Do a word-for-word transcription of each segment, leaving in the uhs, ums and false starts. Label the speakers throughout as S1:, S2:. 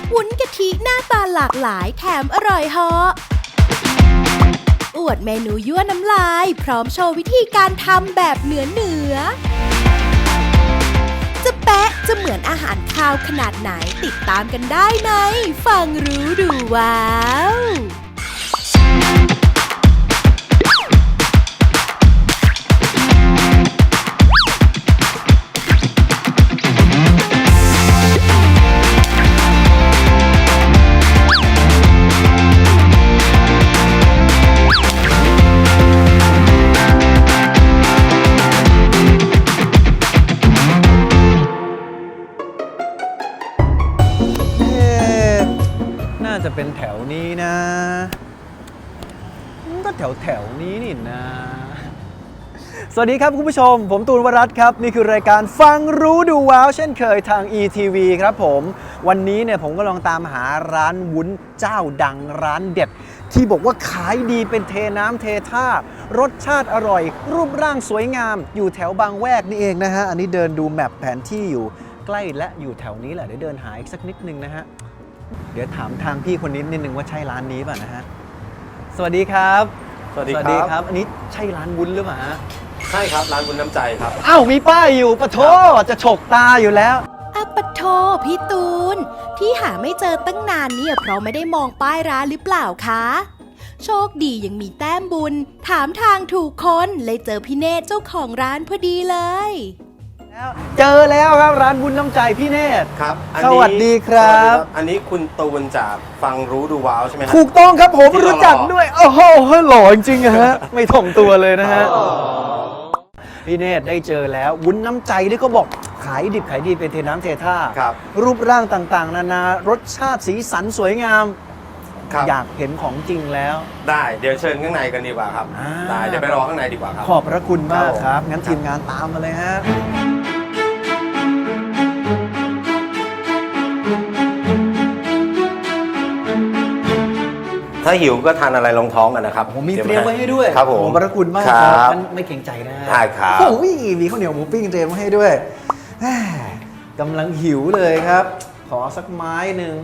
S1: วุ้นกะทิหน้าตาหลากหลายแถมอร่อยเหาะอวดเมนูยั่วน้ำลายพร้อมโชว์วิธีการทำแบบเหนือเหนือจะแปะจะเหมือนอาหารคาวขนาดไหนติดตามกันได้ในฟังรู้ดูว้าว
S2: จะเป็นแถวนี้นะก็แถวแถวนี้นี่นะสวัสดีครับคุณผู้ชมผมตูนวรัตน์ครับนี่คือรายการฟังรู้ดูว้าวเช่นเคยทาง อี ที วี ครับผมวันนี้เนี่ยผมก็ลองตามหาร้านวุ้นเจ้าดังร้านเด็ดที่บอกว่าขายดีเป็นเทน้ำเทท่ารสชาติอร่อยรูปร่างสวยงามอยู่แถวบางแวกนี่เองนะฮะอันนี้เดินดูแมปแผนที่อยู่ใกล้และอยู่แถวนี้แหละเดี๋ยวเดินหาอีกสักนิดนึงนะฮะเดี๋ยวถามทางพี่คนนี้นิดนึงว่าใช่ร้านนี้ป่ะนะฮะสวัสดีครับ
S3: สวัสดีครับ
S2: อันนี้ใช่ร้านวุ้นหรือเปล่าฮะ
S3: ใช่ครับร้านวุ้นน้ำใจครับ
S2: อ้าวมีป้ายอยู่ปะโถจะฉกตาอยู่แล้ว
S1: อะปะโถพี่ตูนที่หาไม่เจอตั้งนานเนี่ยเพราะไม่ได้มองป้ายร้านหรือเปล่าคะโชคดียังมีแต้มบุญถามทางถูกคนเลยเจอพี่เนตรเจ้าของร้านพอดีเลย
S2: เจอแล้วครับร้านวุ้นน้ำใจพี่เนตร
S3: ครับ
S2: สวัสดีครับ
S3: อันนี้คุณตูนจากฟังรู้ดูว้าวใช่ไหมครับ
S2: ถูกต้องครับผมรู้จักด้วยโอ้โหหล่อจริงๆฮะไม่ถ่อมตัวเลยนะฮะพี่เนตรได้เจอแล้ววุ้นน้ำใจที่เขาบอกขายดิบขายดีเป็นเทน้ำเทท่ารูปร่างต่างๆนานารสชาติสีสันสวยงามอยากเห็นของจริงแล้ว
S3: ได้เดี๋ยวเชิญข้างในกันดีกว่าครับได้เดี๋ยวไปรอข้างในดีกว่าครับ
S2: ขอบพระคุณมากครับงั้นทีมงานตามมาเลยฮะ
S3: ถ้าหิวก็ทานอะไรรองท้องกันนะครับ
S2: ผมมีเตรียมไว้ให้ด้วย
S3: ครับผม
S2: ขอบพระคุณมากครับไม่เกรงใจนะ
S3: ได้ครับ
S2: โอ้ยมีข้าวเหนียวหมูปิ้งเตรียมไว้ให้ด้วยกำลังหิวเลยครับขอสักไม้หนึ่ง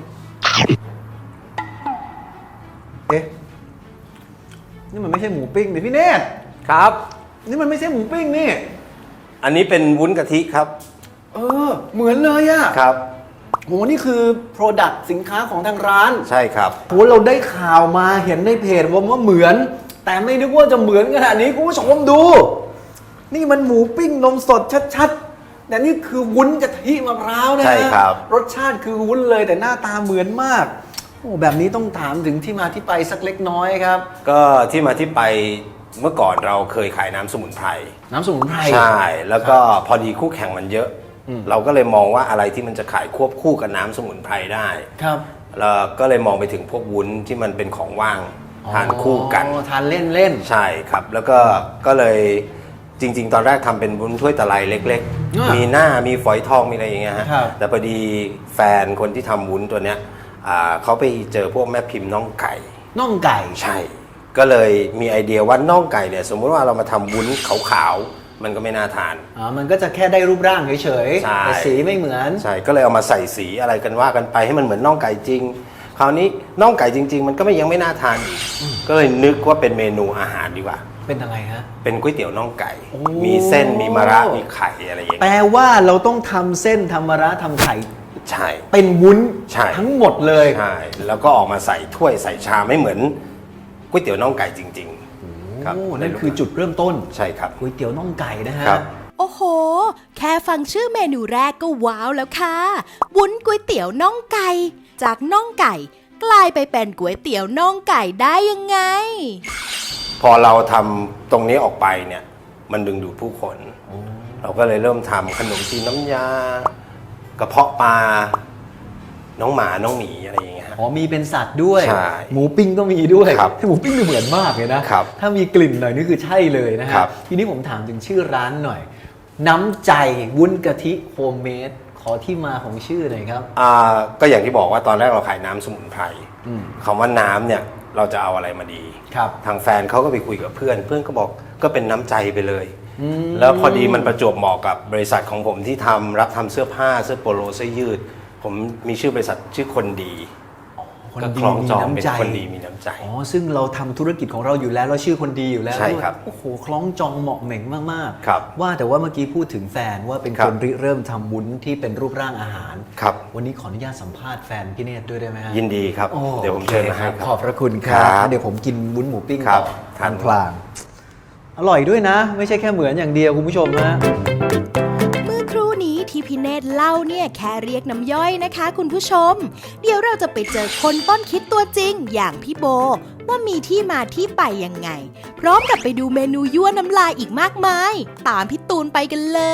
S2: เอ๊ะนี่มันไม่ใช่หมูปิ้งดิพี่เนตร
S3: ครับ
S2: นี่มันไม่ใช่หมูปิ้งนี่
S3: อันนี้เป็นวุ้นกะทิครับ
S2: เออเหมือนเลยอะ
S3: ครับ
S2: โหนี่คือ Product สินค้าของทางร้าน
S3: ใช่ครับ
S2: โหเราได้ข่าวมาเห็นในเพจว่าว่าเหมือนแต่ไม่นึกว่าจะเหมือนขนาดนี้คุณผู้ชมดูนี่มันหมูปิ้งนมสดชัดๆแต่นี่คือวุ้นกะทิมะพร้าวนะ
S3: ใช่ครับ
S2: รสชาติคือวุ้นเลยแต่หน้าตาเหมือนมากโอ้แบบนี้ต้องถามถึงที่มาที่ไปสักเล็กน้อยครับ
S3: ก็ที่มาที่ไปเมื่อก่อนเราเคยขายน้ำสมุนไพร
S2: น้ำสมุนไพร
S3: ใช่แล้วก็พอดีคู่แข่งมันเยอะเราก็เลยมองว่าอะไรที่มันจะขายควบคู่กับน้ำสมุนไพรได้
S2: ครับ
S3: เราก็เลยมองไปถึงพวกวุ้นที่มันเป็นของว่างทานคู่กัน
S2: ทานเล่นเล่น
S3: ใช่ครับแล้วก็ก็เลยจริงๆตอนแรกทำเป็นวุ้นถ้วยตะไลเล็กๆมีหน้ามีฝอยทองมีอะไรอย่างเงี้ยฮะแต่พอดีแฟนคนที่ทำวุ้นตัวเนี้ยเขาไปเจอพวกแม่พิมพ์น่องไก่
S2: น่องไก่
S3: ใช่ก็เลยมีไอเดียว่าน่องไก่เนี่ยสมมุติว่าเรามาทำวุ้นขาวๆมันก็ไม่น่าทาน
S2: อ๋อมันก็จะแค่ได้รูปร่างเฉยๆแต่สีไม่เหมือน
S3: ใช่ก็เลยเอามาใส่สีอะไรกันว่ากันไปให้มันเหมือนน่องไก่จริงคราวนี้น่องไก่จริงๆมันก็ไม่ยังไม่น่าทานอีกก็เลยนึกว่าเป็นเมนูอาหารดีกว่า
S2: เป็นอะไรฮะ
S3: เป็นก๋วยเตี๋ยวน่องไก่มีเส้นมีมะระมีไข่อะไรอย่างเงี้ย
S2: แปลว่าเราต้องทำเส้นทำมะระทำไข่
S3: ใช่
S2: เป็นวุ้นทั้งหมดเลย
S3: ใช่แล้วก็ออกมาใส่ถ้วยใส่ชามไม่เหมือนก๋วยเตี๋ยวน่องไก่จริงๆ
S2: ครับนั่นคือจุดเริ่มต้น
S3: ใช่ครับ
S2: ก๋วยเตี๋ยวน่องไก่นะฮะ
S1: โอ้โหแค่ฟังชื่อเมนูแรกก็ว้าวแล้วค่ะวุ้นก๋วยเตี๋ยวน่องไก่จากน่องไก่กลายไปเป็นก๋วยเตี๋ยวน่องไก่ได้ยังไง
S3: พอเราทำตรงนี้ออกไปเนี่ยมันดึงดูดผู้คนเราก็เลยเริ่มทำขนมจีนน้ำยากระเพาะปลาน้องหมาน้องหมีอะไรอย่างเงี้ย
S2: อ๋อมีเป็นสัตว์ด้วยหมูปิ้งก็มีด้วยหมูปิ้งเหมือนมากเลยนะถ้ามีกลิ่นหน่อยนี่คือใช่เลยนะฮะทีนี้ผมถามถึงชื่อร้านหน่อยน้ำใจวุ้นกะทิโฮมเมดขอที่มาของชื่อหน่อยครับ
S3: อ่าก็อย่างที่บอกว่าตอนแรกเราขายน้ำสมุนไพรคำว่าน้ำเนี่ยเราจะเอาอะไรมาดีทางแฟนเขาก็ไปคุยกับเพื่อนเพื่อนก็บอกก็เป็นน้ำใจไปเลยแล้วพอดีมันประจวบเหมาะกับบริษัทของผมที่ทำรับทำเสื้อผ้าเสื้อโปโลเสื้อยืดผมมีชื่อบริษัทชื่อคนดี
S2: คน
S3: ก็
S2: ดี
S3: คล้อง
S2: มี
S3: จอง
S2: น้ำ
S3: เป็น
S2: ใจ
S3: คนดีมีน้ำใจ
S2: อ๋อซึ่งเราทำธุรกิจของเราอยู่แล้วเราชื่อคนดีอยู่แล้ว
S3: ใช่ครับ
S2: โอ้โหคล้องจองเหมาะเหม่งมาก
S3: ครับ
S2: ว่าแต่ว่าเมื่อกี้พูดถึงแฟนว่าเป็น
S3: ครั
S2: ค
S3: บ
S2: นริเริ่มทำวุ้นที่เป็นรูปร่างอาหาร
S3: ครับ
S2: วันนี้ขออนุญาตสัมภาษณ์แฟนพี่เนตรด้วยได้ไหมฮะ
S3: ยินดีครับ
S2: โอ้
S3: เดี๋ยวผมเชิญมาให้
S2: โอเค
S3: ค
S2: ข
S3: รั
S2: อ
S3: บบ
S2: พระคุณครับ
S3: ครับ
S2: เดี๋ยวผมกินวุ้นหมูปิ้ง
S3: ครั
S2: ต่
S3: บ
S2: อ
S3: ทาน
S2: พลางๆอร่อยด้วยนะ ไม่ใช่แค่เหมือนอย่างเดียวคุณผู้ชมนะ
S1: เมื่อครู่นี้ที่พี่เนตรเล่าเนี่ยแค่เรียกน้ำย่อยนะคะคุณผู้ชม เดี๋ยวเราจะไปเจอคนต้นคิดตัวจริงอย่างพี่โบ ว่ามีที่มาที่ไปยังไง พร้อมกับไปดูเมนูยั่วน้ำลายอีกมากมาย ตามพี่ตูนไปกันเลย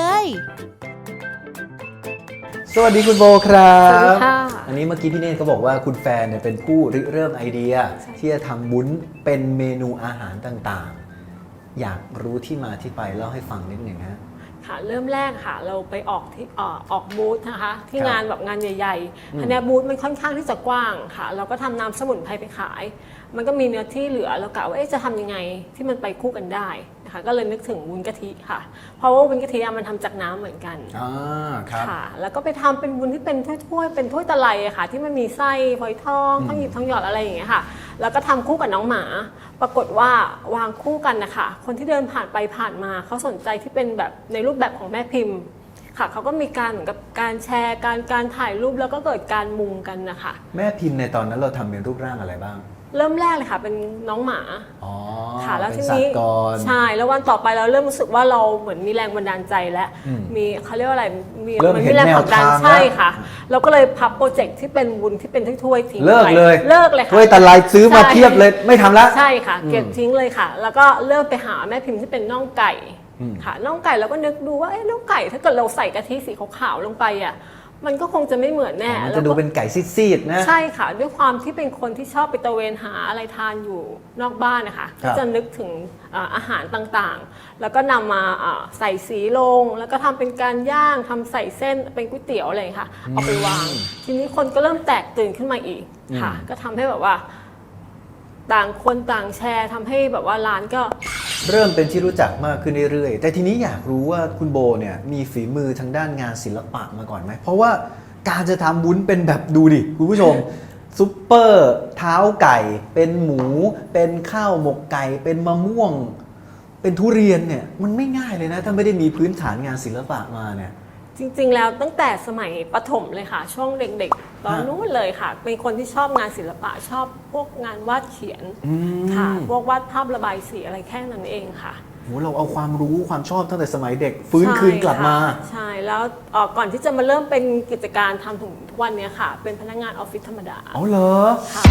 S2: สวัสดีคุณโบครับ
S4: สวัสดีค่ะ
S2: อันนี้เมื่อกี้พี่เนตรเขาบอกว่าคุณแฟนเนี่ยเป็นผู้ริเริ่มไอเดีย ที่จะทำวุ้นเป็นเมนูอาหารต่างๆ อยากรู้ที่มาที่ไปเล่าให้ฟังนิดหนึ่งฮะ
S4: ค่ะเริ่มแรกค่ะเราไปออกที่เอ่อออกบูธนะคะที่
S2: ครับ
S4: งานแบบงานใหญ่
S2: อืม
S4: ๆอันเนี้ยบูธมันค่อนข้างที่จะกว้างค่ะ เราก็ทำน้ำสมุนไพรไปขาย มันก็มีเนื้อที่เหลือเรากะว่าเอ๊ะจะทำยังไงที่มันไปคู่กันได้นะคะก็เลยนึกถึงวุ้นกะทิค่ะ เพราะว่าวุ้นกะทิอะมันทำจากน้ำเหมือนกัน
S2: อ่าครับ
S4: ค่ะแล้วก็ไปทำเป็นวุ้นที่เป็นถ้วยๆเป็นถ้วยตะไลอะค่ะ ที่มันมีไส้ฝอยทองทองหยิบทองหยอดอะไรอย่างเงี้ยค่ะแล้วก็ทำคู่กับน้องหมา ปรากฏว่าวางคู่กันนะคะคนที่เดินผ่านไปผ่านมาเขาสนใจที่เป็นแบบในรูปแบบของแม่พิมพ์ค่ะเขาก็มีการเหมือนกับการแชร์การการถ่ายรูปแล้วก็เกิดการมุงกันนะคะ
S2: แม่พิมพ์ในตอนนั้นเราทำเป็นรูปร่างอะไรบ้าง
S4: เริ่มแรกเลยค่ะเป็นน้องหมา
S2: อ๋อ
S4: ค่ะแล้ว
S2: เป็
S4: ที
S2: นสัต
S4: นี้
S2: ว์ก่อน
S4: ใช่แล้ววันต่อไปเราเริ่มรู้สึกว่าเราเหมือนมีแรงบันดาลใจแล้ว
S2: อืม
S4: มีเขาเรียกว่าอะไรมี
S2: เริ่ม
S4: น
S2: เห็น
S4: แรงผลักดัน
S2: แนวทาง
S4: ใช่
S2: แล้ว
S4: ค่ะ เราก็เลยพับโปรเจกต์ที่เป็นวุ้นที่เป็นถ้วยๆทิ้ง
S2: เลิก
S4: ไป
S2: เลย
S4: เลิกเลยค่ะ
S2: ถ้วยตะไลซื้อมา
S4: ใช่
S2: เทียบเลยไม่ทำแล้ว
S4: ใช่ค่ะ
S2: อืม
S4: เก็บทิ้งเลยค่ะ แล้วก็เริ่มไปหาแม่พิมพ์ที่เป็นน่องไก่
S2: อืม
S4: ค่ะน่องไก่เราก็นึกดูว่าเอ๊ะน่องไก่ถ้าเกิดเราใส่กะทิสีขาวๆลงไปอ่ะมันก็คงจะไม่เหมือนแน่
S2: มัน
S4: แล้ว
S2: จะดู
S4: ก็
S2: เป็นไก่ซีดๆนะ
S4: ใช่ค่ะ ด้วยความที่เป็นคนที่ชอบไปตระเวนหาอะไรทานอยู่นอกบ้านนะคะ
S2: ครั
S4: ก็
S2: บ
S4: จะนึกถึงอ่าอาหารต่างๆ แล้วก็นำมาอ่าใส่สีลง แล้วก็ทำเป็นการย่างทำใส่เส้นเป็นก๋วยเตี๋ยวอะไรอย่างเงี้ยค่ะเอาไปวาง ทีนี้คนก็เริ่มแตกตื่นขึ้นมาอีกค่ะ ก็ทำให้แบบว่า ต่างคนต่างแชร์ทำให้แบบว่าร้านก็
S2: เริ่มเป็นที่รู้จักมากขึ้นเรื่อยๆ แต่ทีนี้อยากรู้ว่าคุณโบเนี่ยมีฝีมือทางด้านงานศิลปะมาก่อนไหม เพราะว่าการจะทำวุ้นเป็นแบบดูดิคุณผู้ชม ซุปเปอร์เท้าไก่ เป็นหมู เป็นข้าวหมกไก่ เป็นมะม่วง เป็นทุเรียนเนี่ยมันไม่ง่ายเลยนะ ถ้าไม่ได้มีพื้นฐานงานศิลปะมาเนี่ย
S4: จริงๆ แล้วตั้งแต่สมัยประถมเลยค่ะ ช่วงเด็กๆ ตอน
S2: ฮะ
S4: นู้นเลยค่ะ เป็นคนที่ชอบงานศิลปะชอบพวกงานวาดเขียน
S2: อืม
S4: ค่ะ พวกวาดภาพระบายสีอะไรแค่นั้นเองค่ะ
S2: โหเราเอาความรู้ความชอบตั้งแต่สมัยเด็ก ฟื้นคืนกลับมา
S4: ใช่ค่ะใช่แล้วเอ่อก่อนที่จะมาเริ่มเป็นกิจการทำถึงทุกวันเนี้ยค่ะ เป็นพนักงานออฟฟิศธรรมดา
S2: เอาเหรอ
S4: ค่ะ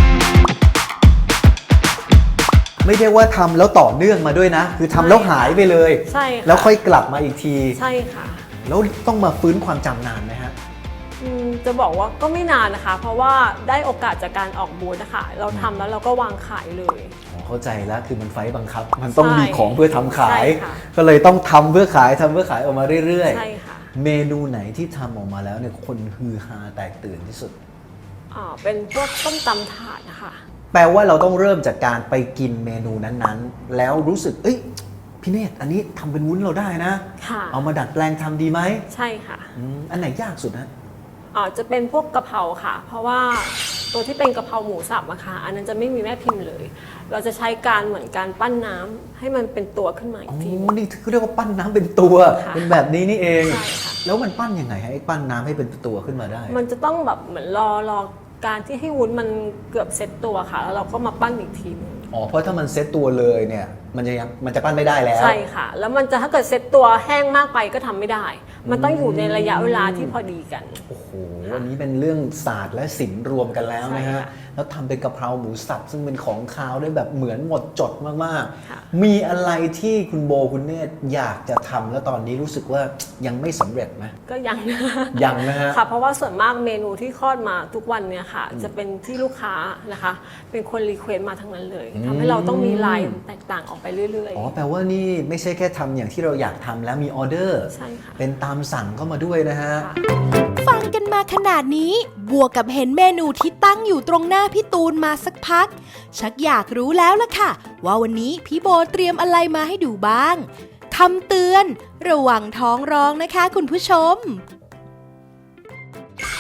S2: ไม่ได้ว่าทำแล้วต่อเนื่องมาด้วยนะ คือทำแล้วหายไปเลย
S4: ใช่ค่ะ
S2: แล้วค่อยกลับมาอีกที
S4: ใช่ค่ะ
S2: แล้วต้องมาฟื้นความจำนานไหมฮะ
S4: อืมจะบอกว่าก็ไม่นานนะคะ เพราะว่าได้โอกาสจากการออกบูธนะคะเราทำแล้วเราก็วางขายเลย
S2: อ๋อเข้าใจแล้วคือมันไฟต์บังคับ มันต้อง
S4: ใช่
S2: มีของเพื่อทำขาย
S4: ใช่ค่ะ
S2: ก็เลยต้องทำเพื่อขายทำเพื่อขายออกมาเรื่อย
S4: ใช่ค่ะ
S2: ๆ เมนูไหนที่ทำออกมาแล้วเนี่ยคนฮือฮาแตกตื่นที่สุด
S4: อ่าเป็นพวกต้มตำถาดนะคะ
S2: แปลว่าเราต้องเริ่มจากการไปกินเมนูนั้นๆ แล้วรู้สึกเอ้ยพี่เนตรอันนี้ทำเป็นวุ้นเราได้นะ
S4: ค่ะ
S2: เอามาดัดแปลงทำดีไหม
S4: ใช่ค่ะ
S2: อืมอันไหนยากสุดนะ
S4: อ่าจะเป็นพวกกะเพราค่ะ เพราะว่าตัวที่เป็นกะเพราหมูสับอะค่ะอันนั้นจะไม่มีแม่พิมพ์เลย เราจะใช้การเหมือนการปั้นน้ำให้มันเป็นตัวขึ้นมาอี
S2: อ๋
S4: ก
S2: อ
S4: ที
S2: นี่เขาเรียกว่าปั้นน้ำเป็นตัว
S4: ค่ะ
S2: เป็นแบบนี้นี่เอง
S4: ใช่ค่ะ
S2: แล้วมันปั้นยังไงให้ปั้นน้ำให้เป็นตัวขึ้นมาได้
S4: มันจะต้องแบบเหมือนรอรอการที่ให้วุ้นมันเกือบเซ็ตตัวค่ะ แล้วเราก็มาปั้นอีกทีหนึง
S2: อ๋อ เพราะถ้ามันเซ็ตตัวเลยเนี่ย มันจะยังมันจะปั้นไม่ได้แล้ว
S4: ใช่ค่ะ แล้วมันจะถ้าเกิดเซ็ตตัวแห้งมากไปก็ทำไม่ได้ มันต้องอยู่ในระยะเวลาที่พอดีกัน
S2: โอ้โห อันนี้เป็นเรื่องศาสตร์และศิลป์รวมกันแล้วนะ
S4: ใช่
S2: ฮะ
S4: ค่ะ
S2: แล้วทำเป็นกะเพราหมูสับซึ่งเป็นของคาวได้แบบเหมือนหมดจดมาก
S4: ค่ะ
S2: ๆ มีอะไรที่คุณโบคุณเนตรอยากจะทำแล้วตอนนี้รู้สึกว่ายังไม่สำเร็จไหม
S4: ก็ยัง
S2: ยังนะฮะ
S4: ค่ะ เพราะว่าส่วนมากเมนูที่คลอดมาทุกวันเนี่ยค่ะ จะเป็นที่ลูกค้านะคะ เป็นคนรีเควสต์มาทั้งนั้นเลยทำให้เราต้องมีลายแตกต่างออกไปเรื่อย
S2: อ๋อ แปลว่านี่ไม่ใช่แค่ทำอย่างที่เราอยากทำแล้วมีออเดอร์
S4: ใช่ค่ะ
S2: เป็นตามสั่งเข้ามาด้วยนะฮะ
S4: ค่ะ
S1: ฟังกันมาขนาดนี้ บวกกับเห็นเมนูที่ตั้งอยู่ตรงหน้าพี่ตูนมาสักพัก ชักอยากรู้แล้วล่ะค่ะ ว่าวันนี้พี่โบเตรียมอะไรมาให้ดูบ้างคำเตือน ระวังท้องร้องนะคะคุณผู้ชม
S2: เ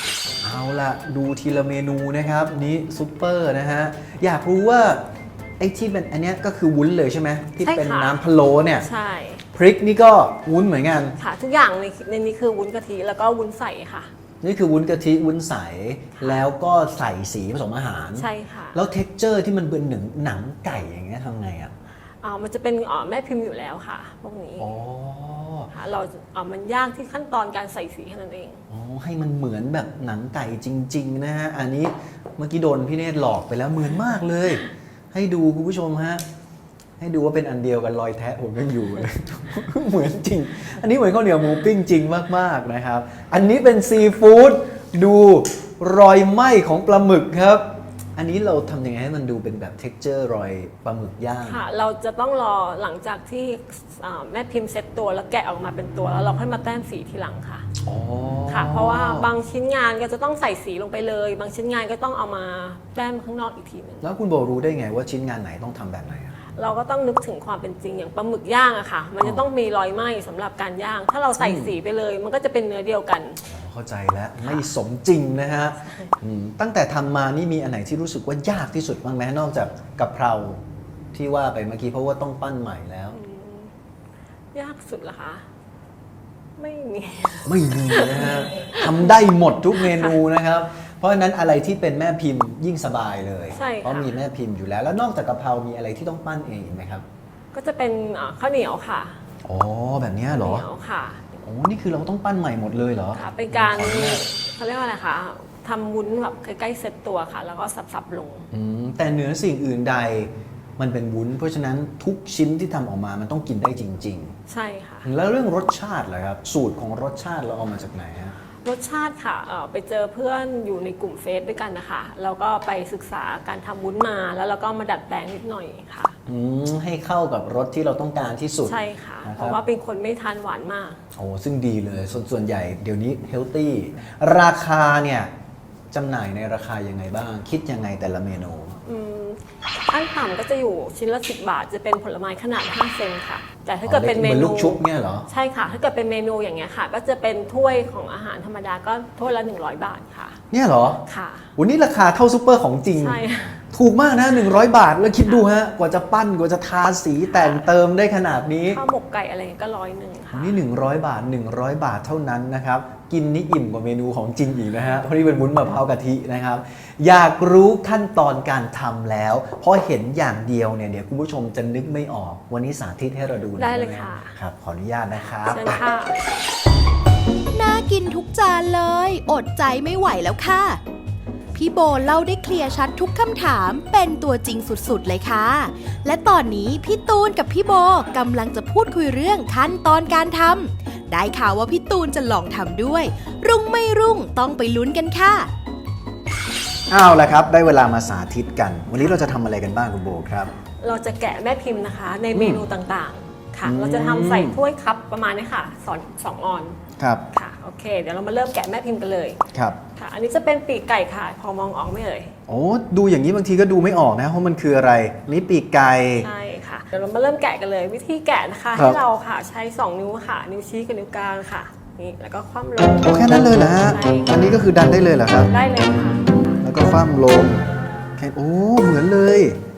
S2: เอาละดูทีละเมนูนะครับนี้ซุปเปอร์นะฮะอยากรู้ว่าไอ้ที่เป็นอันเนี้ยก็คือวุ้นเลยใช่ไหมที่
S4: ใช่ค่ะ
S2: เป็นน้ำพะโล้เนี่ย
S4: ใช่
S2: พริกนี่ก็วุ้นเหมือนกัน
S4: ค่ะทุกอย่างในในนี้คือวุ้นกะทิแล้วก็วุ้นใสค่ะ
S2: นี่คือวุ้นกะทิวุ้นใสแล้วก็ใส่สีผสมอาหาร
S4: ใช่ค่ะ
S2: แล้วเท็กเจอร์ที่มันเป็นหนังหนังไก่อย่างเงี้ยทำไงอ่ะ
S4: อ่ามันจะเป็นอ่าแม่พิมพ์อยู่แล้วค่ะพวกนี้
S2: อ๋อ
S4: ค่ะเราอ่ามันยากที่ขั้นตอนการใส่สีแค่นั้นเอง
S2: อ๋อให้มันเหมือนแบบหนังไก่จริงๆนะฮะอันนี้เมื่อกี้โดนพี่เนตรหลอกไปแล้วเหมือนมากเลย ให้ดูคุณผู้ชมฮะให้ดูว่าเป็นอันเดียวกันรอยแทะผมยังอยู่เลย เหมือนจริง อันนี้เหมือนข้าวเหนียวหมูปิ้งจริงมากๆนะครับ อันนี้เป็นซีฟู้ดดูรอยไหม้ของปลาหมึกครับ อันนี้เราทำยังไงให้มันดูเป็นแบบเท็กเจอร์รอยปลาหมึกย่าง
S4: ค่ะ เราจะต้องรอหลังจากที่อ่าแม่พิมพ์เซ็ตตัวแล้วแกะออกมาเป็นตัวแล้วเราค่อยมาแต้มสีทีหลังค่ะ
S2: อ๋อ
S4: ค่ะ เพราะว่าบางชิ้นงานก็จะต้องใส่สีลงไปเลย บางชิ้นงานก็ต้องเอามาแต้มข้างนอกอีกทีหนึง
S2: แล้วคุณโบรู้ได้ไงว่าชิ้นงานไหนต้องทำแบบไหนอะ
S4: เราก็ต้องนึกถึงความเป็นจริงอย่างปลาหมึกย่างอะค่ะ มันจะต้องมีรอยไหม้สำหรับการย่าง ถ้าเราใส่สีไปเลย มันก็จะเป็นเนื้อเดียวกัน
S2: เข้าใจแล้วไม่สมจริงนะฮะอืมตั้งแต่ทำมานี่มีอันไหนที่รู้สึกว่ายากที่สุดบ้างไหมนอกจากกะเพราที่ว่าไปเมื่อกี้เพราะว่าต้องปั้นใหม่แล้ว
S4: ยากสุดเหรอคะ ไม่มี
S2: ไม่มีนะฮะทำได้หมดทุกเมนูนะครับ เพราะฉะนั้นอะไรที่เป็นแม่พิมพ์ยิ่งสบายเลย
S4: ใช่ค่ะ
S2: เพราะมีแม่พิมพ์อยู่แล้ว แล้วนอกจากกะเพรามีอะไรที่ต้องปั้นเองอีกไหมครับ
S4: ก็จะเป็นอ่าข้าวเหนียวค่ะ
S2: อ๋อแบบเนี้ยเหรอ
S4: ข้าวเหนียวค่ะ
S2: โอ้นี่คือเราต้องปั้นใหม่หมดเลยเหรอ
S4: ค่ะ เป็นการ
S2: ขออนุญาต
S4: เขาเรียกว่าอะไรคะทำวุ้นแบบใกล้ๆเซ็ตตัวค่ะ แล้วก็สับๆลง
S2: อืมแต่เหนือสิ่งอื่นใดมันเป็นวุ้น เพราะฉะนั้นทุกชิ้นที่ทำออกมามันต้องกินได้จริง
S4: ใช่ค่ะ
S2: ๆ แล้วเรื่องรสชาติเหรอครับสูตรของรสชาติเราเอามาจากไหนฮะ
S4: รสชาติค่ะเอ่อไปเจอเพื่อนอยู่ในกลุ่มเฟซด้วยกันนะคะแล้วก็ไปศึกษาการทำวุ้นมา แล้วเราก็มาดัดแปลงนิดหน่อยค่ะ
S2: อืมให้เข้ากับรสที่เราต้องการที่สุด
S4: ใช่ค่ะ
S2: นะครับ
S4: เพราะว่าเป็นคนไม่ทานหวานมาก
S2: โอ้ซึ่งดีเลยส่วนส่วนใหญ่เดี๋ยวนี้เฮลตี้ราคาเนี่ยจำหน่ายในราคายังไงบ้าง คิดยังไงแต่ละเมนู
S4: อืมขั้นต่ำก็จะอยู่ชิ้นละสิบบาท จะเป็นผลไม้ขนาดห้าเซนค่ะ แต่ถ้าเกิดเป็นเม
S2: หมือน
S4: นู
S2: ลูกชุบเนี่ยเหรอ
S4: ใช่ค่ะ ถ้าเกิดเป็นเมนูอย่างเงี้ยค่ะ ก็จะเป็นถ้วยของอาหารธรรมดาก็ถ้วยละหนึ่งร้อยบาทค่ะ
S2: เนี่ยเหรอ
S4: ค่ะ
S2: วันนี้ราคาเท่าซูเปอร์ของจริง
S4: ใช่
S2: ถูกมากนะหนึ่งร้อยบาทแล้วคิดดูฮะกว่าจะปั้นกว่าจะทาสีแต่งเติมได้ขนาดนี้
S4: ข้าวหมกไก่อะไรก็ร้อยหนึ่งค่ะ
S2: นี่หนึ่งร้อยบาทหนึ่งร้อยบาทเท่านั้นนะครับ กินนี่อิ่มกว่าเมนูของจริงอีกนะฮะเพราะนี่เป็นวุ้นมะพร้าวกะทินะครับ อยากรู้ขั้นตอนการทำแล้วเพราะเห็นอย่างเดียวเนี่ยเดี๋ยวคุณผู้ชมจะนึกไม่ออก วันนี้สาธิตให้เราดูหน่อ
S4: ได้เลย
S2: หม
S4: ค่ะ
S2: ครับขออนุญาตนะครับ
S4: เชิญค่ะ
S1: น่ากินทุกจานเลย อดใจไม่ไหวแล้วค่ะ พี่โบเล่าได้เคลียร์ชัดทุกคำถามเป็นตัวจริงสุดๆเลยค่ะ และตอนนี้พี่ตูนกับพี่โบกำลังจะพูดคุยเรื่องขั้นตอนการทำได้ข่าวว่าพี่ตูนจะลองทำด้วย รุ่งไม่รุ่งต้องไปลุ้นกันค่ะ
S2: เอาละครับ ได้เวลามาสาธิตกัน วันนี้เราจะทำอะไรกันบ้างคุณโบครับ
S4: เราจะแกะแม่พิมพ์นะคะ ในเมนูต่างๆค่ะ
S2: อืม
S4: เราจะทำใส่ถ้วยคัพประมาณนี้ค่ะสองสองออน
S2: ครับ
S4: ค่ะโอเค เดี๋ยวเรามาเริ่มแกะแม่พิมพ์กันเลย
S2: ครับ
S4: ค่ะ อันนี้จะเป็นปีกไก่ค่ะ พอมองออกไหม่เอ่ย
S2: โอ้ดูอย่างนี้บางทีก็ดูไม่ออกนะเพราะมันคืออะไรนี่ปีกไก่
S4: ใช่ค่ะ เดี๋ยวเรามาเริ่มแกะกันเลย วิธีแกะนะคะ
S2: ครับ
S4: ให้เราค่ะใช้สองนิ้วค่ะ นิ้วชี้กับนิ้วกลางค่ะนี่แล้วก็คว่ำลง
S2: โอ้แค่นั้นเลยเหรอฮะ
S4: ใช่ค่ะ
S2: อันนี้ก็คือดันได้เลยเหรอครับ
S4: ได้เลยค่ะ
S2: แล้วก็คว่ำลงแค่โอ้ เหมือนเลย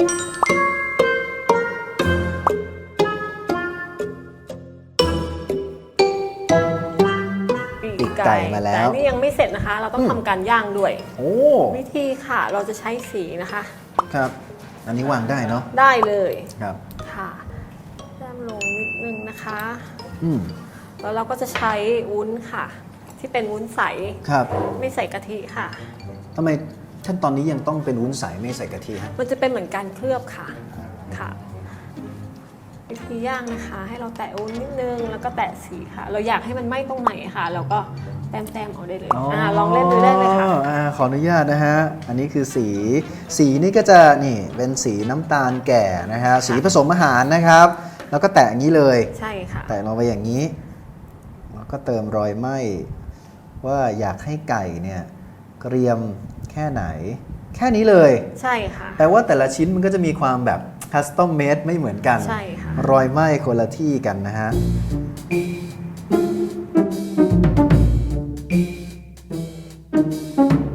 S4: ปีก
S2: ไก่มาแล้ว
S4: ต่นี่ยังไม่เสร็จนะคะ เราต้องทำการย่างด้วย
S2: โอ้
S4: วิธีค่ะ เราจะใช้สีนะคะ
S2: ครับ อันนี้วางได้เนาะ
S4: ได้เลย
S2: ครับ
S4: ค่ะแต้มลงนิดนึงนะคะ
S2: อืม
S4: แล้วเราก็จะใช้วุ้นค่ะ ที่เป็นวุ้นใส
S2: ครับ
S4: ไม่ใส่กะทิค่ะ
S2: ทำไมขั้นตอนนี้ยังต้องเป็นวุ้นใสไม่ใส่กะทิฮะ
S4: มันจะเป็นเหมือนการเคลือบค่ะค่ะ วิธีย่างนะคะ ให้เราแตะวุ้นนิดนึงแล้วก็แตะสีค่ะ เราอยากให้มันไหม้ตรงไหนค่ะ เราก็แต้มๆเอาได้เลยอ่าลองเล่นดูได้เลยค่ะ
S2: อ่าขออนุญาตนะฮะ อันนี้คือสี สีนี่ก็จะนี่เป็นสีน้ำตาลแก่นะฮะ สีผสมอาหารนะครับ แล้วก็แตะอย่างนี้เลย
S4: ใช่ค่ะ
S2: แตะลงไปอย่างนี้ แล้วก็เติมรอยไหม้ว่าอยากให้ไก่เนี่ยเกรียมแค่ไหน แค่นี้เลย
S4: ใช่ค่ะ
S2: แปลว่าแต่ละชิ้นมันก็จะมีความแบบคัสตอมเมดไม่เหมือนกัน
S4: ใช่ค่ะ
S2: รอยไหม้คนละที่กันนะฮะ
S4: ค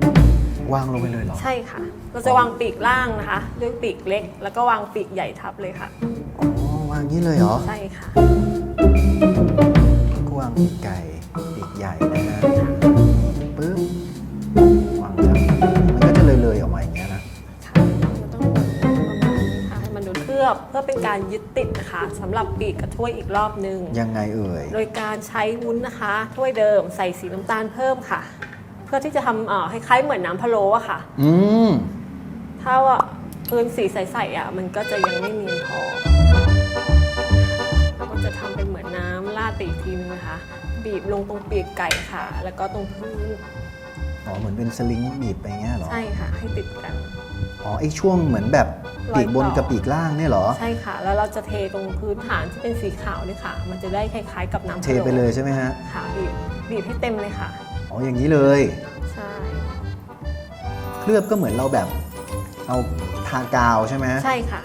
S2: ไปเลยเหรอ
S4: ใช่ค่ะ เราจะวางปีกล่างนะคะ ด้วยปีกเล็ก แล้วก็วางปีกใหญ่ทับเลยค่ะ
S2: อ๋อวางนี้เลยเหรอ
S4: ใช่ค่ะ
S2: ก็วางปีกไก่ปีกใหญ่นะฮะปึ๊บวางทับมันก็จะเลยๆออกมาอย่างเงี้ยนะ
S4: ค่ะเราต้องประมาณนี้ค่ะให้มันโดนเคลือบเพื่อเป็นการยึดติดนะคะสำหรับปีกกับถ้วยอีกรอบนึง
S2: ยังไงเอ่ย
S4: โดยการใช้วุ้นนะคะ ถ้วยเดิมใส่สีน้ำตาลเพิ่มค่ะ เพื่อที่จะทำเอ่อคล้ายๆเหมือนน้ำพะโล้อะค่ะ
S2: อืม
S4: ถ้าว่าพื้นสีใสๆอ่ะมันก็จะยังไม่เนียนพอเราก็จะทำเป็นเหมือนน้ำราดไปอีกทีนึงนะคะ บีบลงตรงปีกไก่ค่ะ แล้วก็ตรงพื้น
S2: อ๋อเหมือนเป็นสลิงบีบไปเงี้ยเหรอ
S4: ใช่ค่ะ ให้ติดกัน
S2: อ๋อไอ้ช่วงเหมือนแบบปีกบน
S4: รอยต่อ
S2: กับปีกล่างเนี่ยเหรอ
S4: ใช่ค่ะ แล้วเราจะเทตรงพื้นฐานที่เป็นสีขาวนี่ค่ะ มันจะได้คล้ายๆกับน้ำ
S2: เทไปเลยใช่ไหมฮะ
S4: ค่ะบีบบีบให้เต็มเลยค่ะ
S2: อ๋ออย่างนี้เลย
S4: ใช่
S2: เคลือบก็เหมือนเราแบบเอาทากาวใช่ไหม
S4: ใช่ค่ะ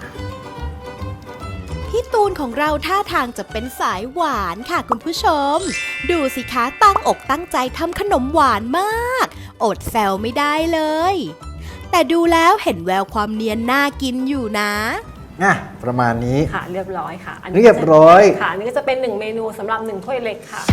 S1: พี่ตูนของเราท่าทางจะเป็นสายหวานค่ะคุณผู้ชม ดูสิคะตั้งอกตั้งใจทำขนมหวานมาก อดแซวไม่ได้เลย แต่ดูแล้วเห็นแววความเนียนน่ากินอยู่นะ
S2: อ่ะประมาณนี้
S4: ค่ะเรียบร้อยค่ะ
S2: เรียบร้อย
S4: ค่ะอันนี้ก็จะเป็นหนึ่งเมนูสำหรับหนึ่งถ้วยเล็กค่ะ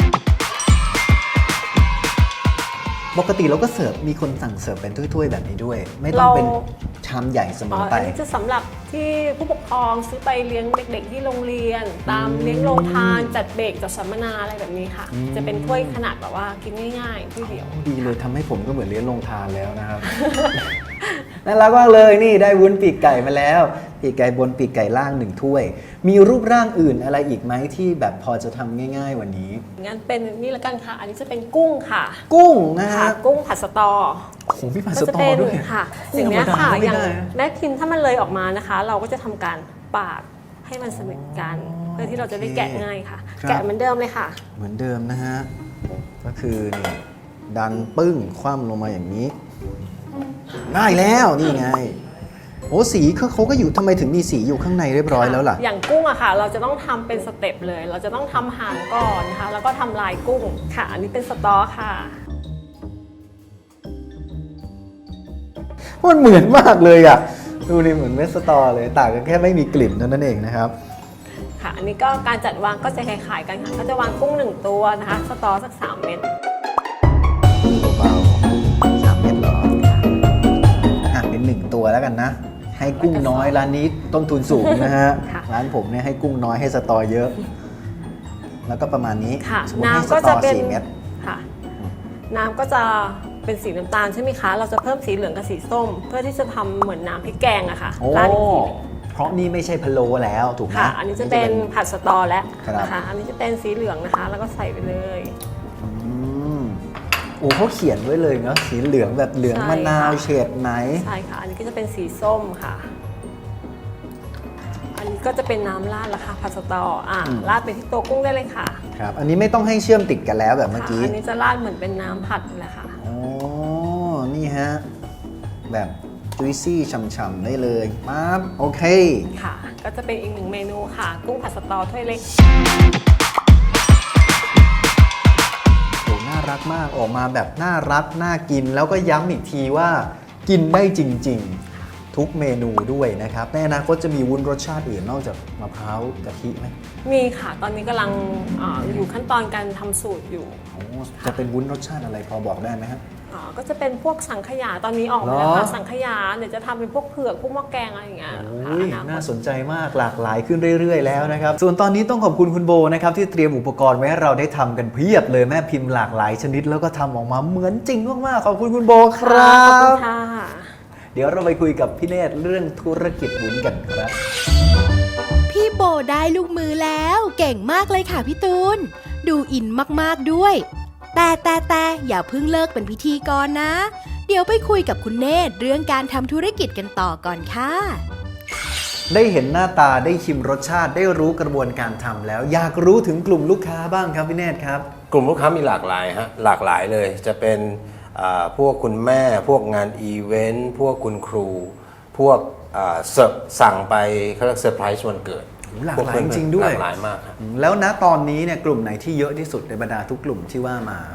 S2: ปกติเราก็เสิร์ฟมีคนสั่งเสิร์ฟเป็นถ้วยๆแบบนี้ด้วย ไม่ต้องเป็น
S4: เรา
S2: ชามใหญ่เสม
S4: อ๋อ
S2: อไป
S4: อันนี้จะสำหรับที่ผู้ปกครองซื้อไปเลี้ยงเด็กๆที่โรงเรียน ตามเลี้ยงโรงทานจัดเบรกจัดสัมมนาอะไรแบบนี้ค่ะ
S2: อืม
S4: จะเป็นถ้วยขนาดแบบว่ากินง่ายๆถ้วยเดียว
S2: ดีเลยทำให้ผมก็เหมือนเลี้ยงโรงทานแล้วนะครับ น่ารักมากเลยนี่ได้วุ้นปีกไก่มาแล้ว ปีกไก่บนปีกไก่ล่างหนึ่งถ้วย มีรูปร่างอื่นอะไรอีกไหมที่แบบพอจะทำง่าย ๆ วันนี้
S4: งั้นเป็นนี่ละกันค่ะ อันนี้จะเป็นกุ้งค่ะ
S2: กุ้งนะ
S4: ค่ะ
S2: ฮะ
S4: กุ้งผัดสตอ
S2: โอ้โหพี่ผัด
S4: ก็
S2: ส
S4: จะ
S2: ตอ
S4: เป็น
S2: ด้วย
S4: ค่ะ
S2: กุ้
S4: อย่างเนี้ย
S2: ธรรมด
S4: ค่ะ
S2: ก็ไม่
S4: อย่าง
S2: ได้นะ
S4: แม่พิมพ์ถ้ามันเลยออกมานะคะ เราก็จะทำการปาดให้มันสนิทกัน เพื่อที่เราจะได้แกะง่ายค่ะ
S2: ครับ
S4: แกะเหมือนเดิมเลยค่ะ
S2: เหมือนเดิมนะฮะ ก็คือนี่ดันปึ้งคว่ำลงมาอย่างนี้ ได้แล้วนี่ไง โอ้สีเขาเขาก็อยู่ทำไมถึงมีสีอยู่ข้างในเรียบร้อยแล้วล่ะ
S4: อย่างกุ้งอะค่ะ เราจะต้องทำเป็นสเต็ปเลย เราจะต้องทำหางก่อนนะคะ แล้วก็ทำลายกุ้งค่ะ อันนี้เป็นสตอค่ะ
S2: มันเหมือนมากเลยอ่ะ ดูนี่เหมือนเม็ดสตอเลยต่างกันแค่ไม่มีกลิ่นเท่านั้นเองนะครับ
S4: ค่ะ อันนี้ก็การจัดวางก็จะคล้ายๆกันค่ะ ก็จะวางกุ้งหนึ่งตัวนะคะ สตอสักสามเม็ด
S2: เบาๆสามเม็ดเหรออ่ะเป็นหนึ่งตัวแล้วกันนะ ให้กุ้งน้อยร้านนี้ต้นทุนสูงนะฮะ
S4: ค่ะ
S2: ร้านผมเนี่ยให้กุ้งน้อยให้สตอเยอะ แล้วก็ประมาณนี้
S4: ค่ะ
S2: สมมติให้ส
S4: น้ำก็
S2: ต
S4: จะ
S2: อ
S4: เป็น
S2: สี่เม็ด
S4: ค่ะ น้ำก็จะเป็นสีน้ำตาลใช่ไหมคะ เราจะเพิ่มสีเหลืองกับสีส้ม เพื่อที่จะทำเหมือนน้ำพริกแกงอะค่ะ
S2: โอ้
S4: ราดอีกทีหนึ่ง
S2: เพราะนี่ไม่ใช่พะโล้แล้วถูกไหม
S4: ค่ะ อันนี้จะเป็นผัดสตอแล้ว
S2: ครับ
S4: นะคะ อันนี้จะเป็นสีเหลืองนะคะ แล้วก็ใส่ไปเลย
S2: อืมโอ้เขาเขียนไว้เลยเนาะสีเหลืองแบบเหลือง
S4: ใช่
S2: มะนาว
S4: ค่ะ
S2: เฉดไหน
S4: ใช่ค่ะ อันนี้ก็จะเป็นสีส้มค่ะ อันนี้ก็จะเป็นน้ำราดแล้วค่ะผัดสตออ่ะ
S2: อืม
S4: ราดไปที่ตัวกุ้งได้เลยค่ะ
S2: ครับ อันนี้ไม่ต้องให้เชื่อมติดกันแล้วแบบเมื่อ
S4: ค่ะ
S2: กี้
S4: อันนี้จะราดเหมือนเป็นน้ำผัดเลยค่ะ
S2: อ๋อ นี่ฮะ แบบจุยซี่ฉ่ำๆได้เลยปั๊บโอเค
S4: ค่ะ ก็จะเป็นอีกหนึ่งเมนูค่ะ กุ้งผัดสตอถ้วยเล็ก
S2: โหน่ารักมากออกมาแบบน่ารักน่ากินแล้วก็ย้ำอีกทีว่ากินได้จริงๆ ทุกเมนูด้วยนะครับในอนาคตจะมีวุ้นรสชาติอื่นนอกจากมะพร้าวกะทิไหม
S4: มีค่ะ ตอนนี้กำลังอาอยู่ขั้นตอนการทำสูตรอยู่
S2: โอ้จะเป็นวุ้นรสชาติอะไรพอบอกได้ไหมฮะ
S4: อ่าก็จะเป็นพวกสังขยา ตอนนี้ออกมาแล้วค่ะ
S2: เหรอ
S4: สังขยา เดี๋ยวจะทำเป็นพวกเผือก พวกหม้อแกงอะไรอย่างเงี้ย
S2: โอ้
S4: ค่ะ
S2: ย
S4: อนาค
S2: น่า
S4: ต
S2: สนใจมากหลากหลายขึ้นเรื่อย ๆ แล้วนะครับ ส่วนตอนนี้ต้องขอบคุณคุณโบนะครับที่เตรียมอุปกรณ์ไว้ให้เราได้ทำกันเพียบเลยแม่พิมพ์หลากหลายชนิดแล้วก็ทำออกมาเหมือนจริงมากๆขอบคุณคุณโบครั
S4: ขอบคุณ
S2: บ
S4: ค่ะ
S2: เดี๋ยวเราไปคุยกับพี่เนตรเรื่องธุรกิจวุ้นกันครับ
S1: พี่โบได้ลูกมือแล้วเก่งมากเลยค่ะพี่ตูน ดูอินมากๆด้วย แต่แต่แต่อย่าเพิ่งเลิกเป็นพิธีกรนะ เดี๋ยวไปคุยกับคุณเนตรเรื่องการทำธุรกิจกันต่อก่อนค่ะ
S2: ได้เห็นหน้าตาได้ชิมรสชาติได้รู้กระบวนการทำแล้ว อยากรู้ถึงกลุ่มลูกค้าบ้างครับพี่เนตรครับ
S3: กลุ่มลูกค้ามีหลากหลายฮะหลากหลายเลยจะเป็นอ่าพวกคุณแม่พวกงานอีเวนต์พวกคุณครู พวกอ่าเสิร์ฟสั่งไปเขาเรียกเซอร์ไพรส์วันเกิด
S2: หลากหลาย
S3: พวเพื่อนๆ
S2: จริงๆด้วย
S3: หลากหลายมากครับ
S2: แล้วณตอนนี้เนี่ยกลุ่มไหนที่เยอะที่สุดในบรรดาทุกกลุ่มที่ว่ามา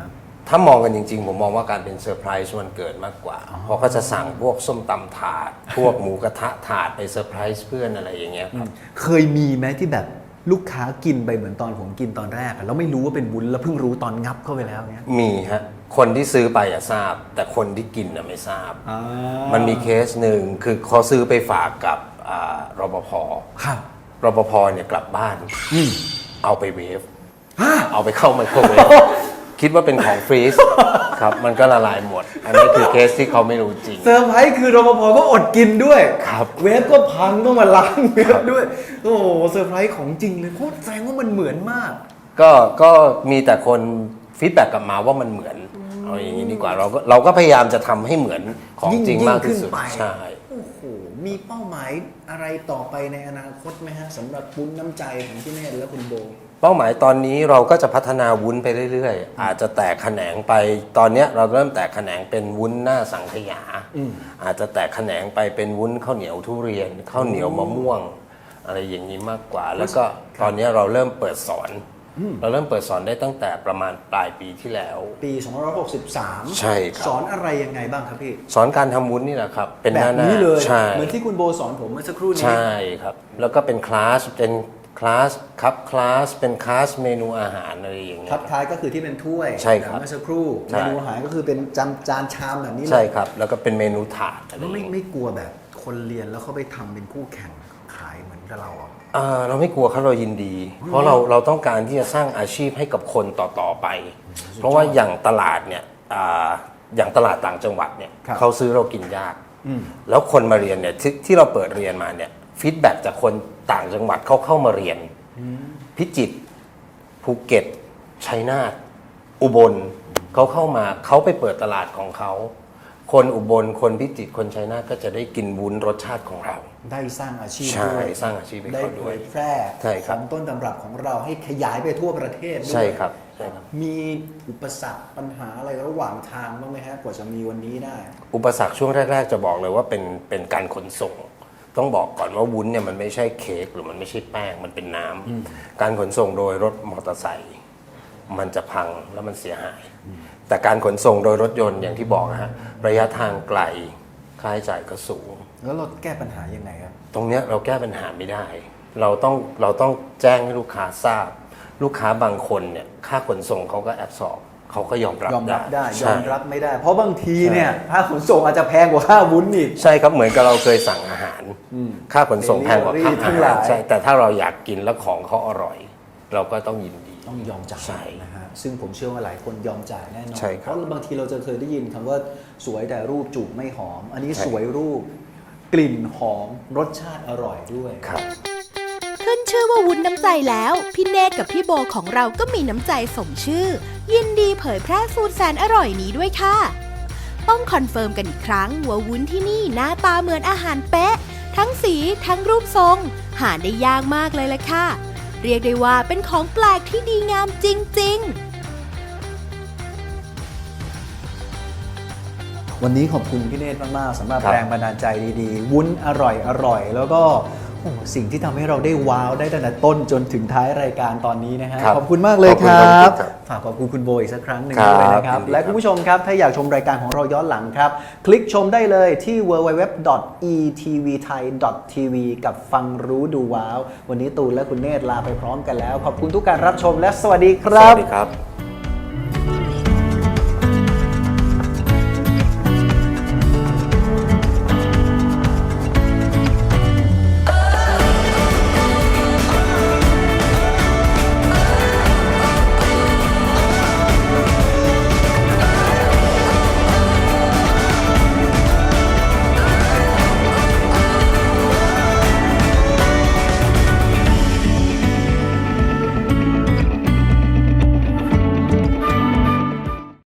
S3: ถ้ามองกันจริงๆ ผมมองว่าการเป็นเซอร์ไพรส์วันเกิดมากกว่า เพราะเขาจะสั่งพวกส้มตำถาด พวกหมูกระทะถาดไปเซอร์ไพรส์เพื่อนอะไรอย่างเงี้ยครับ
S2: เคยมีไหมที่แบบลูกค้ากินไปเหมือนตอนผมกินตอนแรกอะแล้วไม่รู้ว่าเป็นวุ้นแล้วเพิ่งรู้ตอนงับเข้าไปแล้วเนี้ย
S3: มีฮะคนที่ซื้อไปอะทราบ แต่คนที่กินอะไม่ทราบ
S2: อ่า
S3: มันมีเคสหนึ่งคือเขาซื้อไปฝากกับอ่ารปภ
S2: ครับ
S3: รปภเนี่ยกลับบ้าน
S2: อืม
S3: เอาไปเวฟเอาไปเข้าไมโครเวฟคิดว่าเป็นของฟรีซครับมันก็ละลายหมด อันนี้คือเคสที่เขาไม่รู้จริง
S2: เซอร์ไพรส์คือรปภก็อดกินด้วย
S3: ครับ
S2: เวฟก็พังต้องมาล้างเวฟด้วย โอ้โหเซอร์ไพรส์ของจริงเลยโคตรแสดงว่ามันเหมือนมาก
S3: ก็ก็มีแต่คนฟีดแบ็กกลับมาว่ามันเหมือนเอาอย่างนี้ดีกว่าเราก็เราก็พยายามจะทำให้เหมือนของจริงมากที่สุด
S2: ยิ่งขึ้นไป
S3: ใช่
S2: โอ้โหมีเป้าหมายอะไรต่อไปในอนาคตไหมฮะสำหรับวุ้นน้ำใจของพี่เนตรและคุณโบ
S3: เป้าหมายตอนนี้เราก็จะพัฒนาวุ้นไปเรื่อยๆ อาจจะแตกแขนงไปตอนเนี้ยเราเริ่มแตกแขนงเป็นวุ้นหน้าสังขยา อาจจะแตกแขนงไปเป็นวุ้นข้าวเหนียวทุเรียนข้าวเหนียวมะม่วง อะไรอย่างนี้มากกว่า แล้วก็ตอนเนี้ยเราเริ่มเปิดสอน เราเริ่มเปิดสอนได้ตั้งแต่ประมาณปลายปีที่แล้ว
S2: ปีสองพันห้าร้อยหกสิบสาม
S3: ใช่ครับ
S2: สอนอะไรยังไงบ้างครับพี่
S3: สอนการทำวุ้นนี่แหละครับ เป็นห
S2: แบ
S3: น้า
S2: บ
S3: หน้า
S2: นี้เลย
S3: ใช่
S2: เหมือนที่คุณโบสอนผมเมื่อสักครู่นี้
S3: ใช่ครับ แล้วก็เป็นคลาสเป็นคลาสครับคลาสเป็นคลาสเมนูอาหารอะไรอย่างเงี้ย
S2: ทับท้ายก็คือที่เป็นถ้วย
S3: ใช่ครับ
S2: เมื่อสักครู่
S3: ใช่
S2: เมนูอาหารก็คือเป็นจานจานชามแบบนี้เลย
S3: ใช่ครับ แล้วก็เป็นเมนูถาดอะไรอ
S2: แล้ว
S3: ย่าง
S2: ไม่
S3: เงี้ย
S2: ไม่กลัวแบบคนเรียนแล้วเขาไปทำเป็นคู่แข่งขายเหมือนกับเราอ่ะ
S3: เอ่อเราไม่กลัวครับเรายินดี เพราะเราเราต้องการที่จะสร้างอาชีพให้กับคนต่อๆไป เพราะว่าอย่างตลาดเนี่ยอ่าอย่างตลาดต่างจังหวัดเนี่ย
S2: ครับ
S3: เขาซื้อเรากินยาก แล้วคนมาเรียนเนี่ยที่ที่เราเปิดเรียนมาเนี่ยฟีดแบ็จากคนต่างจังหวัดเขาเข้ามาเรียน พิจิตรภูเก็ตชัยนาทอุบลเขาเข้ามาเขาไปเปิดตลาดของเขา คนอุบลคนพิจิตรคนชัยนาทก็จะได้กินวุ้นรสชาติของเรา
S2: ได้สร้างอาชีพ
S3: ใช่
S2: ด้วย
S3: สร้างอาชีพให้
S2: ได้
S3: เขา
S2: เผ
S3: ด้วย
S2: ยแพร่
S3: ใช่ค
S2: ข
S3: รับ
S2: องต้นตำรับของเราให้ขยายไปทั่วประเทศด้วย
S3: ใช่ครับใช่ครับ
S2: มีอุปสรรคปัญหาอะไรระหว่างทางบ้างไหมฮะกว่าจะมีวันนี้ได้
S3: อุปสรรคช่วงแรก ๆ จะบอกเลยว่าเป็นเป็นการขนส่ง ต้องบอกก่อนว่าวุ้นเนี่ยมันไม่ใช่เค้กหรือมันไม่ใช่แป้งมันเป็นน้ำการขนส่งโดยรถมอเตอร์ไซค์มันจะพังแล้วมันเสียหาย แต่การขนส่งโดยรถยนต์อย่างที่บอกนะฮะระยะทางไกลค่าใช้จ่ายก็สูง
S2: แล้วเราแก้ปัญหายังไงครับ
S3: ตรงเนี้ยเราแก้ปัญหาไม่ได้ เราต้องเราต้องแจ้งให้ลูกค้าทราบ ลูกค้าบางคนเนี่ยค่าขนส่งเขาก็แอบสอบเขาก็ยอมรับ
S2: ยอมรับได้ย
S3: ใช่
S2: อมรับไม่ได้ เพราะบางทีเนี่ยค่าขนส่งอาจจะแพงกว่าค่าวุ้นอีก
S3: ใช่ครับเหมือนกับเราเคยสั่งอาหาร ค่าขนส่งแพงกว่าค่า
S2: Delivery ทั้
S3: อาง
S2: ห
S3: หา
S2: ลาร ย
S3: ใช่แต่ถ้าเราอยากกินแล้วของเขาอร่อย เราก็ต้องยินดี
S2: ต้องยอมจ่าย
S3: ใช่
S2: นะฮะซึ่งผมเชื่อว่าหลายคนยอมจ่ายแน่นอน
S3: ใช่ครับ
S2: เพราะบางทีเราจะเคยได้ยินคำว่าสวยแต่รูปจูบไม่หอม อันนี้
S3: ใช่
S2: สวยรูป กลิ่นหอมรสชาติอร่อยด้วย
S3: ครับ
S1: ขึ้นชื่อว่าวุ้นน้ำใจแล้ว พี่เนตรกับพี่โบของเราก็มีน้ำใจสมชื่อ ยินดีเผยแพร่สูตรแสนอร่อยนี้ด้วยค่ะ ต้องคอนเฟิร์มกันอีกครั้งว่าวุ้นที่นี่หน้าตาเหมือนอาหารเป๊ะ ทั้งสีทั้งรูปทรง หาได้ยากมากเลยล่ะค่ะ เรียกได้ว่าเป็นของแปลกที่ดีงามจริงๆ
S2: วันนี้ขอบคุณพี่เนตรมากๆสำหรับ
S3: ครับ
S2: แรงบันดาลใจดีๆ วุ้นอร่อยอร่อยแล้วก็โอ้โหสิ่งที่ทำให้เราได้ว้าวได้ตั้งแต่ต้นจนถึงท้ายรายการตอนนี้นะฮะ
S3: ครับ
S2: ขอบคุณมากเลย
S3: ขอบ
S2: ค
S3: คุณ
S2: รั
S3: ครับ บครับ
S2: ฝากขอบคุณคุณโบอีกสักครั้งหนึ่ง
S3: ครับ
S2: ด้วยนะครับ
S3: ยินดี
S2: และคุณผู้ชมครับถ้าอยากชมรายการของเราย้อนหลังครับ คลิกชมได้เลยที่ ดับเบิลยู ดับเบิลยู ดับเบิลยู ดอท อี ที วี ไทย ดอท ที วี กับฟังรู้ดูว้าว วันนี้ตูนและคุณเนตรลาไปพร้อมกันแล้ว ขอบคุณทุกการรับชมและสวัสดีค
S3: ส
S2: รับ
S3: วัสดีครับ